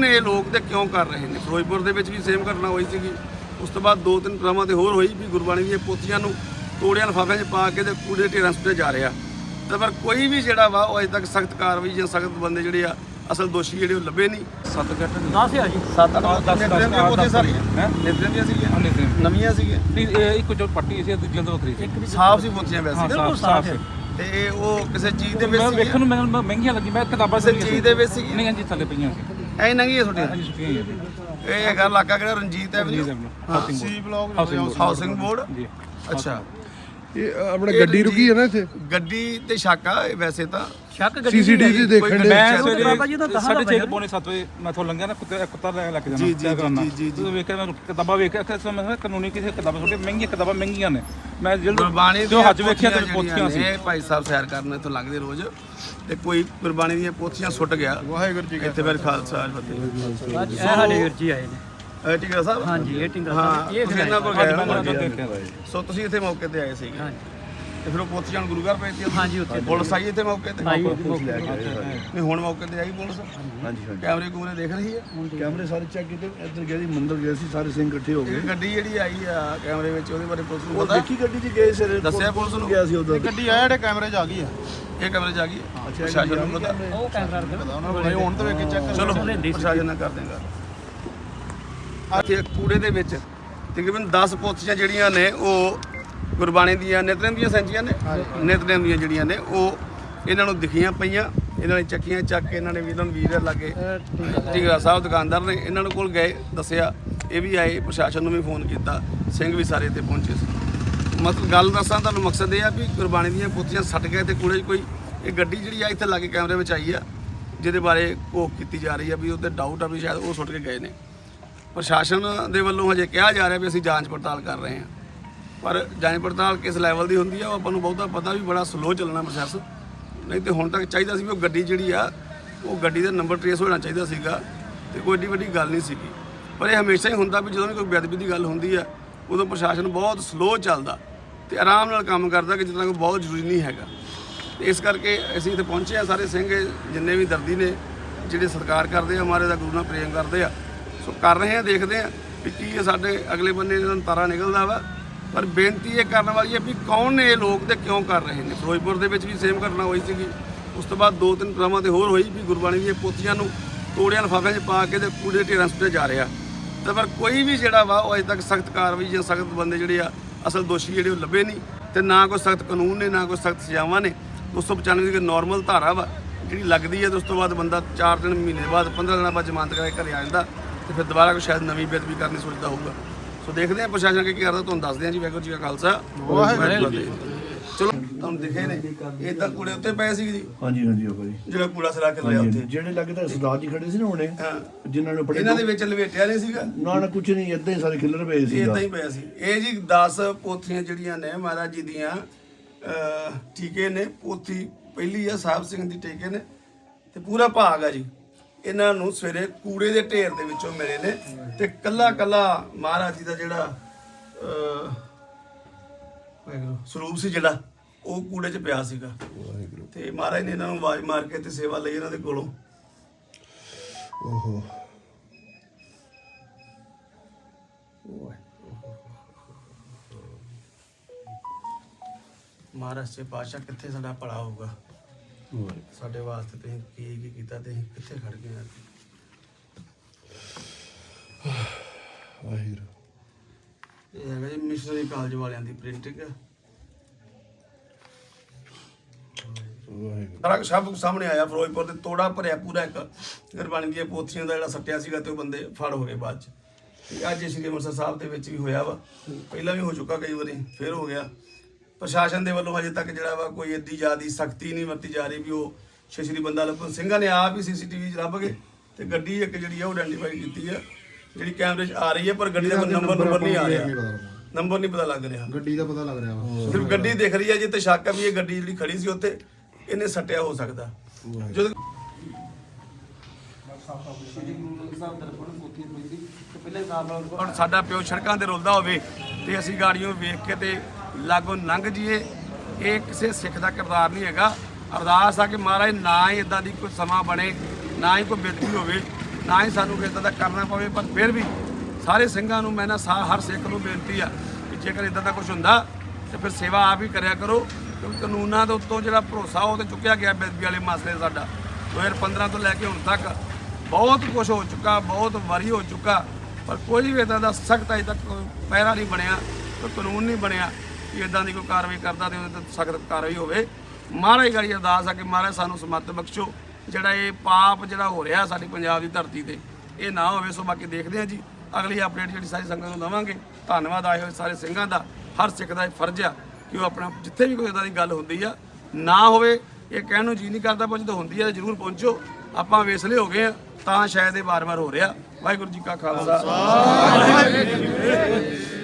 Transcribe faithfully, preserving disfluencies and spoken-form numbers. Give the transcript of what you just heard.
ਕੌਣ ਨੇ ਇਹ ਲੋਕ ਤੇ ਕਿਉਂ ਕਰ ਰਹੇ ਨੇ। ਫਿਰੋਜ਼ਪੁਰ ਦੇ ਵਿੱਚ ਵੀ ਸੇਮ ਘਟਨਾ ਹੋਈ ਸੀਗੀ। ਉਸ ਤੋਂ ਬਾਅਦ ਦੋ ਤਿੰਨ ਥਾਵਾਂ ਤੇ ਹੋਰ ਹੋਈ ਵੀ ਗੁਰਬਾਣੀ ਦੀਆਂ ਪੋਥੀਆਂ ਨੂੰ ਤੋੜਿਆਂ ਲਿਫਾਫਿਆਂ 'ਚ ਪਾ ਕੇ ਤੇ ਕੂੜੇ ਢੇਰਾਂ ਸੁੱਟੇ ਜਾ ਰਿਹਾ। ਤੇ ਪਰ ਕੋਈ ਵੀ ਜਿਹੜਾ ਵਾ ਉਹ ਅਜੇ ਤੱਕ ਸਖਤ ਕਾਰਵਾਈ ਜਾਂ ਸਖਤ ਬੰਦੇ ਜਿਹੜੇ ਆ ਅਸਲ ਦੋਸ਼ੀ ਜਿਹੜੇ ਉਹ ਲੱਭੇ ਨਹੀਂ। ਸੱਤ ਘੱਟ ਦਸ ਆ ਜੀ ਸੱਤ ਅੱਠ ਦੀਆਂ ਪੋਥੀਆਂ ਸਾਰੀਆਂ ਹੈ ਨਿਤਰੇਮ ਦੀਆਂ ਸੀਗੀਆਂ, ਨਿਤਰੇਮ ਨਵੀਆਂ ਸੀਗੀਆਂ, ਨਹੀਂ ਇਹ ਇੱਕ ਜੋ ਪੱਟੀ ਸੀ ਦੂਜੀ ਤੋਂ ਵੱਖਰੀ ਸੀ। ਇੱਕ ਵੀ ਸਾਫ਼ ਸੀ ਪੋਥੀਆਂ ਵੈਸੇ ਬਿਲਕੁਲ ਸਾਫ਼ ਹੈ। ਤੇ ਇਹ ਉਹ ਕਿਸੇ ਚੀਜ਼ ਦੇ ਵਿੱਚ ਮੈਂ ਸੀਗੀਆਂ? ਵੇਖਣ ਨੂੰ ਮੈਨੂੰ ਮਹਿੰਗੀਆਂ ਲੱਗੀ। ਮੈਂ ਕਿਤਾਬਾਂ ਕਿਸੇ ਚੀਜ਼ ਦੇ ਵਿੱਚ ਸੀਗੀਆਂ? ਨਹੀਂ ਹਾਂਜੀ ਥੱਲੇ ਪਈਆਂ ਸੀ। ਐ ਨੰਗੀਆਂ ਤੁਹਾਡੀਆਂ ਹਾਂਜੀ ਸੁੱਕੀਆਂ ਹੀ ਆ। ਇਹ ਹੈਗਾ ਇਲਾਕਾ ਕਿਹੜਾ Ranjit avenue housing C block housing board. ਜੀ ਅੱਛਾ ਇਹ ਆਪਣਾ ਗੱਡੀ ਰੁਕੀ ਹੈ ਨਾ ਇੱਥੇ ਗੱਡੀ ਤੇ ਸ਼ੱਕ ਆ ਇਹ ਵੈਸੇ ਤਾਂ ਸ਼ੱਕ ਗੱਡੀ ਸੀਸੀਟੀਵੀ ਦੇਖਣ ਦੇ ਮੈਂ ਸਵੇਰੇ ਬਾਬਾ ਜੀ ਦਾ ਦਸਾਂ ਦਾ ਸਾਢੇ ਛੇ ਪੌਣੇ ਸੱਤ ਵਜੇ ਮੈਂ ਤੋਂ ਲੰਘਿਆ ਨਾ ਕੁੱਤੇ ਕੁੱਤਾ ਲੈ ਕੇ ਜਾਣਾ ਜੀ, ਜੀ, ਜੀ, ਜੀ, ਜੀ। ਜਦੋਂ ਵੇਖਿਆ ਮੈਂ ਕਿਤਾਬਾਂ ਵੇਖਿਆ ਕਿ ਮੈਂ ਕਿਹਾ ਕਾਨੂੰਨੀ ਕਿਸੇ ਕਿਤਾਬਾਂ ਛੋਟੇ ਮਹਿੰਗੀਆਂ ਕਿਤਾਬਾਂ ਮਹਿੰਗੀਆਂ ਨੇ। ਮੈਂ ਗੁਰਬਾਣੀ ਜੋ ਹੱਜ ਵੇਖਿਆ ਤੇ ਦੀਆਂ ਪੋਥੀਆਂ ਸੀ। ਇਹ ਭਾਈ ਸਾਹਿਬ ਸੈਰ ਕਰਨ ਇੱਥੋਂ ਲੰਘਦੇ ਰੋਜ਼ ਤੇ ਕੋਈ ਗੁਰਬਾਣੀ ਦੀਆਂ ਪੋਥੀਆਂ ਸੁੱਟ ਗਿਆ। ਵਾਹਿਗੁਰੂ ਜੀ ਇੱਥੇ ਮੇਰੇ ਖਾਲਸਾ ਫਤਿਹ। ਅੱਜ ਇਹ ਸਾਡੇ ਵੀਰ ਜੀ ਆਏ ਨੇ। ਇਹ ਟਿੰਗਰਾ ਸਾਹਿਬ ਹਾਂਜੀ ਇਹ ਟਿੰਗਰ ਹਾਂ ਸਾਹਿਬ ਇਹ ਤੁਸੀਂ ਖਿਲਾਏ। ਇਹਨਾਂ ਕੋਲ ਅੱਜ ਗਏ ਮੈਂ ਨਾ ਉਹਨਾਂ ਤੋਂ ਦੇਖਿਆ ਬਾਈ। ਸੋ ਤੁਸੀਂ ਇੱਥੇ ਮੌਕੇ ਤੇ ਆਏ ਸੀਗੇ ਹਾਂਜੀ ਤੇ ਫਿਰ ਉਹ ਪੋਥੀਆਂ ਨੂੰ ਗੁਰੂ ਘਰ ਭੇਜਤੀਆਂ? ਹਾਂਜੀ, ਉੱਥੇ ਪੁਲਿਸ ਆਈ ਇੱਥੇ ਮੌਕੇ ਤੇ? ਆਈ ਨਹੀਂ ਹੁਣ ਮੌਕੇ ਤੇ ਆਈ ਪੁਲਿਸ? ਹਾਂਜੀ ਹਾਂਜੀ ਕੈਮਰੇ ਕੂਮਰੇ ਦੇਖ ਰਹੀ ਹੈ? ਕੈਮਰੇ ਸਾਰੇ ਚੈੱਕ ਕੀਤੇ। ਇੱਧਰ ਗਏ ਸੀ ਮੰਦਰ ਗਏ ਸੀ ਸਾਰੇ ਸਿੰਘ ਇਕੱਠੇ ਹੋ ਗਏ। ਇਹ ਗੱਡੀ ਜਿਹੜੀ ਆਈ ਆ ਕੈਮਰੇ ਵਿੱਚ ਉਹਦੇ ਬਾਰੇ ਪੁਲਿਸ ਨੂੰ ਉਹ ਪਤਾ? ਦੇਖੀ ਗੱਡੀ 'ਚ ਗਏ ਸਿਰੇ ਦੱਸਿਆ ਪੁਲਿਸ ਨੂੰ? ਗਿਆ ਸੀ ਉਦੋਂ ਗੱਡੀ ਆ ਜਿਹੜੇ ਕੈਮਰੇ 'ਚ ਆ ਗਈ ਆ। ਇਹ ਕੈਮਰੇ 'ਚ ਆ ਗਈ ਹੈ? ਪ੍ਰਸ਼ਾਸਨ ਨੂੰ ਪਤਾ? ਉਹ ਕੈਮਰਾ ਰੱਖ ਪਤਾ ਉਹਨਾਂ ਕੋਲ ਹੁਣ ਤਾਂ ਵੇਖ ਕੇ ਚੈੱਕ ਚਲੋ ਪ੍ਰਸ਼ਾਸਨ ਨਾਲ ਕਰ ਦੇਗਾ। ਇੱਥੇ ਕੂੜੇ ਦੇ ਵਿੱਚ ਤਕਰੀਬਨ ਦਸ ਪੋਥੀਆਂ ਜਿਹੜੀਆਂ ਨੇ ਉਹ ਗੁਰਬਾਣੀ ਦੀਆਂ ਨਿਤਰੇਮ ਦੀਆਂ ਸੈਂਚੀਆਂ ਨੇ ਨਿਤਰੇਮ ਦੀਆਂ ਜਿਹੜੀਆਂ ਨੇ ਉਹ ਇਹਨਾਂ ਨੂੰ ਦਿਖੀਆਂ ਪਈਆਂ। ਇਹਨਾਂ ਨੇ ਚੱਕੀਆਂ ਚੱਕ ਕੇ ਇਹਨਾਂ ਨੇ ਵੀ ਇਹਨਾਂ ਨੂੰ ਵੀਰ ਲਾਗੇ ਟਿੰਗਰਾ ਸਾਹਿਬ ਦੁਕਾਨਦਾਰ ਨੇ ਇਹਨਾਂ ਨੂੰ ਕੋਲ ਗਏ, ਦੱਸਿਆ, ਇਹ ਵੀ ਆਏ, ਪ੍ਰਸ਼ਾਸਨ ਨੂੰ ਵੀ ਫੋਨ ਕੀਤਾ, ਸਿੰਘ ਵੀ ਸਾਰੇ ਇੱਥੇ ਪਹੁੰਚੇ ਸੀ। ਮਤਲਬ ਗੱਲ ਦੱਸਾਂ ਤੁਹਾਨੂੰ ਮਕਸਦ ਇਹ ਆ ਵੀ ਗੁਰਬਾਣੀ ਦੀਆਂ ਪੋਥੀਆਂ ਸੱਟ ਗਏ ਤੇ ਕੂੜੇ 'ਚ ਕੋਈ ਇਹ ਗੱਡੀ ਜਿਹੜੀ ਆ ਇੱਥੇ ਲਾਗੇ ਕੈਮਰੇ ਵਿੱਚ ਆਈ ਆ ਜਿਹਦੇ ਬਾਰੇ ਘੋਖ ਕੀਤੀ ਜਾ ਰਹੀ ਆ ਵੀ ਉਹਦੇ ਡਾਊਟ ਆ ਵੀ ਸ਼ਾਇਦ ਉਹ ਸੁੱਟ ਕੇ ਗਏ ਨੇ। ਪ੍ਰਸ਼ਾਸਨ ਦੇ ਵੱਲੋਂ ਹਜੇ ਕਿਹਾ ਜਾ ਰਿਹਾ ਵੀ ਅਸੀਂ ਜਾਂਚ ਪੜਤਾਲ ਕਰ ਰਹੇ ਹਾਂ, ਪਰ ਜਾਂਚ ਪੜਤਾਲ ਕਿਸ ਲੈਵਲ ਦੀ ਹੁੰਦੀ ਆ ਉਹ ਆਪਾਂ ਨੂੰ ਬਹੁਤਾ ਪਤਾ ਵੀ ਬੜਾ ਸਲੋ ਚੱਲਣਾ ਪ੍ਰੋਸੈਸ। ਨਹੀਂ ਤੇ ਹੁਣ ਤੱਕ ਚਾਹੀਦਾ ਸੀ ਵੀ ਉਹ ਗੱਡੀ ਜਿਹੜੀ ਆ ਉਹ ਗੱਡੀ ਦਾ ਨੰਬਰ ਟਰੇਸ ਹੋਣਾ ਚਾਹੀਦਾ ਸੀਗਾ ਤੇ ਕੋਈ ਏਡੀ ਵੱਡੀ ਗੱਲ ਨਹੀਂ ਸੀਗੀ। ਪਰ ਇਹ ਹਮੇਸ਼ਾ ਹੀ ਹੁੰਦਾ ਵੀ ਜਦੋਂ ਵੀ ਕੋਈ ਬੇਅਦਬੀ ਦੀ ਗੱਲ ਹੁੰਦੀ ਆ ਉਦੋਂ ਪ੍ਰਸ਼ਾਸਨ ਬਹੁਤ ਸਲੋ ਚੱਲਦਾ ਤੇ ਆਰਾਮ ਨਾਲ ਕੰਮ ਕਰਦਾ ਕਿ ਜਿੱਦਾਂ ਕੋਈ ਬਹੁਤ ਜ਼ਰੂਰੀ ਨਹੀਂ ਹੈਗਾ। ਤੇ ਇਸ ਕਰਕੇ ਅਸੀਂ ਇੱਥੇ ਪਹੁੰਚੇ ਆ, ਸਾਰੇ ਸਿੰਘ ਜਿੰਨੇ ਵੀ ਦਰਦੀ ਨੇ ਜਿਹੜੇ ਸਤਿਕਾਰ ਕਰਦੇ ਆ ਹਮਾਰੇ ਦਾ ਗੁਰੂ ਨਾਲ ਪ੍ਰੇਮ ਕਰਦੇ ਆ, ਸੋ ਕਰ ਰਹੇ ਆ, ਦੇਖਦੇ ਆ ਵੀ ਕੀ ਇਹ ਸਾਡੇ ਅਗਲੇ ਬੰਨੇ ਇਹਨਾਂ ਨੂੰ ਤਾਰਾ ਨਿਕਲਦਾ ਵਾ। ਪਰ ਬੇਨਤੀ ਇਹ ਕਰਨ ਵਾਲੀ ਹੈ ਵੀ ਕੌਣ ਨੇ ਇਹ ਲੋਕ ਤੇ ਕਿਉਂ ਕਰ ਰਹੇ ਨੇ। ਫਿਰੋਜ਼ਪੁਰ ਦੇ ਵਿੱਚ ਵੀ ਸੇਮ ਘਟਨਾ ਹੋਈ ਸੀਗੀ। ਉਸ ਤੋਂ ਬਾਅਦ ਦੋ ਤਿੰਨ ਥਾਵਾਂ ਤੇ ਹੋਰ ਹੋਈ ਵੀ ਗੁਰਬਾਣੀ ਦੀਆਂ ਪੋਥੀਆਂ ਨੂੰ ਤੋੜਿਆਂ ਲਿਫਾਫਿਆਂ 'ਚ ਪਾ ਕੇ ਤੇ ਕੂੜੇ ਢੇਰਾਂ ਸੁੱਟੇ ਜਾ ਰਿਹਾ। ਤੇ ਪਰ ਕੋਈ ਵੀ ਜਿਹੜਾ ਵਾ ਉਹ ਅਜੇ ਤੱਕ ਸਖਤ ਕਾਰਵਾਈ ਜਾਂ ਸਖਤ ਬੰਦੇ ਜਿਹੜੇ ਆ ਅਸਲ ਦੋਸ਼ੀ ਜਿਹੜੇ ਉਹ ਲੱਭੇ ਨਹੀਂ। ਤੇ ਨਾ ਕੋਈ ਸਖਤ ਕਾਨੂੰਨ ਨੇ ਨਾ ਕੋਈ ਸਖਤ ਸਜ਼ਾਵਾਂ ਨੇ। ਦੋ ਸੌ ਪਚਾਨਵੇਂ ਦੀ ਨੋਰਮਲ ਧਾਰਾ ਵਾ ਜਿਹੜੀ ਲੱਗਦੀ ਹੈ ਤੇ ਉਸ ਤੋਂ ਬਾਅਦ ਬੰਦਾ ਚਾਰ ਦਿਨ ਮਹੀਨੇ ਬਾਅਦ ਪੰਦਰਾਂ ਦਿਨਾਂ ਬਾਅਦ ਜ਼ਮਾਨਤ ਕਰਕੇ ਘਰੇ ਆ ਜਾਂਦਾ ਤੇ ਫਿਰ ਦੁਬਾਰਾ ਕੋਈ ਸ਼ਾਇਦ ਨਵੀਂ ਬੇਅਦਬੀ ਕਰਨੀ ਸੋਚਦਾ ਹੋਊਗਾ। ਸੋ ਦੇਖਦੇ ਹਾਂ ਪ੍ਰਸ਼ਾਸਨ ਕੀ ਕਰਦਾ, ਤੁਹਾਨੂੰ ਦੱਸਦੇ ਹਾਂ ਜੀ। ਵਾਹਿਗੁਰੂ ਜੀ ਕਾ ਖਾਲਸਾ ਵਾਹਿਗੁਰੂ ਜੀ ਕੀ ਫਤਿਹ। ਚਲੋ ਤੁਹਾਨੂੰ ਦਿਖੇ ਨੇ ਇਹ ਤਾਂ ਕੂੜੇ ਉੱਤੇ ਪਏ ਸੀ ਜੀ, ਹਾਂਜੀ ਹਾਂਜੀ ਉਹ ਭਾਈ ਜਿਹੜਾ ਕੂੜਾ ਸਰਾ ਕੇ ਲਿਆ ਉੱਥੇ ਜਿਹੜੇ ਲੱਗੇ ਤਾਂ ਸਰਦਾਰ ਜੀ ਖੜੇ ਸੀ ਨਾ ਹੁਣੇ ਜਿਨ੍ਹਾਂ ਨੂੰ ਇਹਨਾਂ ਦੇ ਵਿੱਚ ਲਵੇਟਿਆ ਨਹੀਂ ਸੀਗਾ ਨਾ ਨਾ ਕੁਝ ਨਹੀਂ, ਏਦਾਂ ਹੀ ਸਾਰੇ ਖਿੱਲਰ ਪਏ ਸੀ। ਇਦਾਂ ਹੀ ਪਿਆ ਸੀ ਇਹ ਜੀ। ਦਸ ਪੋਥੀਆਂ ਜਿਹੜੀਆਂ ਨੇ ਮਹਾਰਾਜ ਜੀ ਦੀਆਂ ਟੀਕੇ ਨੇ। ਪੋਥੀ ਪਹਿਲੀ ਆ ਸਾਹਿਬ ਸਿੰਘ ਦੀ ਟੀਕੇ ਨੇ ਤੇ ਪੂਰਾ ਭਾਗ ਆ ਜੀ। ਇਹਨਾਂ ਨੂੰ ਸਵੇਰੇ ਕੂੜੇ ਦੇ ਢੇਰ ਦੇ ਵਿੱਚੋਂ ਮਿਲੇ ਨੇ ਤੇ ਕੱਲਾ ਕੱਲਾ ਮਹਾਰਾਜ ਜੀ ਦਾ ਜਿਹੜਾ ਵਾਹਿਗੁਰੂ ਸਰੂਪ ਸੀ ਜਿਹੜਾ ਉਹ ਕੂੜੇ 'ਚ ਪਿਆ ਸੀਗਾ। ਤੇ ਮਹਾਰਾਜ ਨੇ ਇਹਨਾਂ ਨੂੰ ਆਵਾਜ਼ ਮਾਰ ਕੇ ਤੇ ਸੇਵਾ ਲਈ ਇਹਨਾਂ ਦੇ ਕੋਲੋਂ। ਓਹੋ ਮਹਾਰਾਜ ਸੇ ਪਾਤਸ਼ਾਹ ਕਿੱਥੇ ਸਾਡਾ ਭਲਾ ਹੋਊਗਾ, ਸਾਡੇ ਵਾਸਤੇ ਤੁਸੀਂ ਕੀ ਕੀ ਕੀਤਾ ਤੇ ਅਸੀਂ ਕਿੱਥੇ ਖੜ ਗਏ ਆ। ਵਾਹਿਗੁਰੂ ਇਹ ਹੈਗਾ ਜੀ ਮਿਸ਼ਨਰੀ ਕਾਲਜ ਵਾਲਿਆਂ ਦੀ ਪ੍ਰਿੰਟਿੰਗ। ਵਾਹਿਗੁਰੂ ਸਾਰਾ ਸਭ ਕੁਝ ਸਾਹਮਣੇ ਆਇਆ। ਫਿਰੋਜ਼ਪੁਰ ਦੇ ਤੋੜਾ ਭਰਿਆ ਪੂਰਾ ਇੱਕ ਗੁਰਬਾਣੀ ਦੀਆਂ ਪੋਥੀਆਂ ਦਾ ਜਿਹੜਾ ਸੱਟਿਆ ਸੀਗਾ ਤੇ ਉਹ ਬੰਦੇ ਫੜ ਹੋ ਗਏ ਬਾਅਦ ਚ। ਤੇ ਅੱਜ ਸ਼੍ਰੀ ਅੰਮ੍ਰਿਤਸਰ ਸਾਹਿਬ ਦੇ ਵਿੱਚ ਵੀ ਹੋਇਆ ਵਾ, ਪਹਿਲਾਂ ਵੀ ਹੋ ਚੁੱਕਾ ਕਈ ਵਾਰੀ, ਫਿਰ ਹੋ ਗਿਆ। ਪ੍ਰਸ਼ਾਸਨ ਦੇ ਵੱਲੋਂ ਹਜੇ ਤੱਕ ਜਿਹੜਾ ਵਾ ਕੋਈ ਏਡੀ ਜ਼ਿਆਦਾ ਸਖਤੀ ਨਹੀਂ ਵਰਤੀ ਜਾ ਰਹੀ ਵੀ ਉਹ ਸ਼੍ਰੀ ਬੰਦਾ ਲੱਭਣ। ਸਿੰਘਾਂ ਨੇ ਆਪ ਹੀ ਸੀਸੀਟੀਵੀ 'ਚ ਲੱਭ ਗਏ ਤੇ ਗੱਡੀ ਇੱਕ ਜਿਹੜੀ ਆ ਉਹ ਆਇਡੈਂਟੀਫਾਈ ਕੀਤੀ ਆ ਜਿਹੜੀ ਕੈਮਰੇ 'ਚ ਆ ਰਹੀ ਹੈ, ਪਰ ਗੱਡੀ ਦਾ ਨੰਬਰ ਨੰਬਰ ਨਹੀਂ ਆ ਰਿਹਾ, ਨੰਬਰ ਨਹੀਂ ਪਤਾ ਲੱਗ ਰਿਹਾ। ਗੱਡੀ ਦਾ ਪਤਾ ਲੱਗ ਰਿਹਾ ਵਾ, ਸਿਰਫ ਗੱਡੀ ਦਿਖ ਰਹੀ ਹੈ ਜੀ ਤੇ ਸ਼ੱਕ ਆ ਵੀ ਇਹ ਗੱਡੀ ਜਿਹੜੀ ਖੜੀ ਸੀ ਉੱਥੇ ਇਹਨੇ ਸੱਟਿਆ ਹੋ ਸਕਦਾ। ਜਦੋਂ ਹੁਣ ਸਾਡਾ ਪਿਓ ਸੜਕਾਂ ਤੇ ਰੁਲਦਾ ਹੋਵੇ ਤੇ ਅਸੀਂ ਗਾੜੀਆਂ ਵੇਖ ਕੇ ਤੇ ਲਾਗੋਂ ਲੰਘ ਜੀਏ, ਇਹ ਕਿਸੇ ਸਿੱਖ ਦਾ ਕਿਰਦਾਰ ਨਹੀਂ ਹੈਗਾ। ਅਰਦਾਸ ਆ ਕਿ ਮਹਾਰਾਜ ਨਾ ਹੀ ਇਦਾਂ ਦੀ ਕੋਈ ਸਮਾਂ ਬਣੇ, ਨਾ ਹੀ ਕੋਈ ਬੇਦਬੀ ਹੋਵੇ। ਨਾ ਹੀ ਸਾਨੂੰ ਕਿਸੇ ਦਾ ਕਰਨਾ ਪਵੇ। ਪਰ ਫਿਰ ਵੀ ਸਾਰੇ ਸਿੰਘਾਂ ਨੂੰ ਮੈਂ ਨਾ ਸਾ ਹਰ ਸਿੱਖ ਨੂੰ ਬੇਨਤੀ ਆ ਕਿ ਜੇਕਰ ਇਦਾਂ ਦਾ ਕੁਝ ਹੁੰਦਾ ਤੇ ਫਿਰ ਸੇਵਾ ਆਪ ਹੀ ਕਰਿਆ ਕਰੋ, ਕਿਉਂਕਿ ਕਾਨੂੰਨਾਂ ਦੇ ਉੱਤੋਂ ਜਿਹੜਾ ਭਰੋਸਾ ਉਹ ਤੇ ਚੁੱਕਿਆ ਗਿਆ ਬੇਅਦਬੀ ਵਾਲੇ ਮਸਲੇ ਸਾਡਾ ਦੋ ਹਜ਼ਾਰ ਪੰਦਰਾਂ ਤੋਂ ਲੈ ਕੇ ਹੁਣ ਤੱਕ ਬਹੁਤ ਕੁਝ ਹੋ ਚੁੱਕਾ, ਬਹੁਤ ਵਾਰੀ ਹੋ ਚੁੱਕਾ, ਪਰ ਕੋਈ ਵੀ ਇਦਾਂ ਦਾ ਸਖਤ ਅਜੇ ਤੱਕ ਪਹਿਰਾ ਨਹੀਂ ਬਣਿਆ, ਕੋਈ ਕਾਨੂੰਨ ਨਹੀਂ ਬਣਿਆ ਕਿ ਇਦਾਂ ਦੀ ਕੋਈ ਕਾਰਵਾਈ ਕਰਦਾ ਤੇ ਉਹਦੇ ਤੇ ਸਖਤ ਕਾਰਵਾਈ ਹੋਵੇ। ਮਹਾਰਾਜ ਗਾੜੀ ਅਰਦਾਸ ਆ ਕਿ ਮਹਾਰਾਜ ਸਾਨੂੰ ਸਮੱਤ ਬਖਸ਼ੋ, ਜਿਹੜਾ ਇਹ ਪਾਪ ਜਿਹੜਾ ਹੋ ਰਿਹਾ ਸਾਡੀ ਪੰਜਾਬ ਦੀ ਧਰਤੀ ਤੇ ਇਹ ਨਾ ਹੋਵੇ। ਸੋ ਬਾਕੀ ਦੇਖਦੇ ਹਾਂ ਜੀ ਅਗਲੀ ਅਪਡੇਟ ਜਿਹੜੀ ਸਾਰੀ ਸੰਗਤ ਨੂੰ ਦੇਵਾਂਗੇ। ਧੰਨਵਾਦ ਆਏ ਹੋਏ ਸਾਰੇ ਸਿੰਘਾਂ ਦਾ। ਹਰ ਸਿੱਖ ਦਾ ਇਹ ਫਰਜ਼ ਆ ਕਿ ਉਹ ਆਪਣਾ ਜਿੱਥੇ ਵੀ ਕੋਈ ਇਦਾਂ ਦੀ ਗੱਲ ਹੁੰਦੀ ਆ ਨਾ ਹੋਵੇ, ਇਹ ਕਹਿਣ ਨੂੰ ਜੀ ਨਹੀਂ ਕਰਦਾ, ਪਰ ਜਦੋਂ ਹੁੰਦੀ ਆ ਤਾਂ ਜ਼ਰੂਰ ਪਹੁੰਚੋ। ਆਪਾਂ ਵੇਸਲੇ ਹੋ ਗਏ ਆ ਤਾਂ ਸ਼ਾਇਦ ਇਹ ਵਾਰ-ਵਾਰ ਹੋ ਰਿਹਾ। ਵਾਹਿਗੁਰੂ ਜੀ ਕਾ ਖਾਲਸਾ।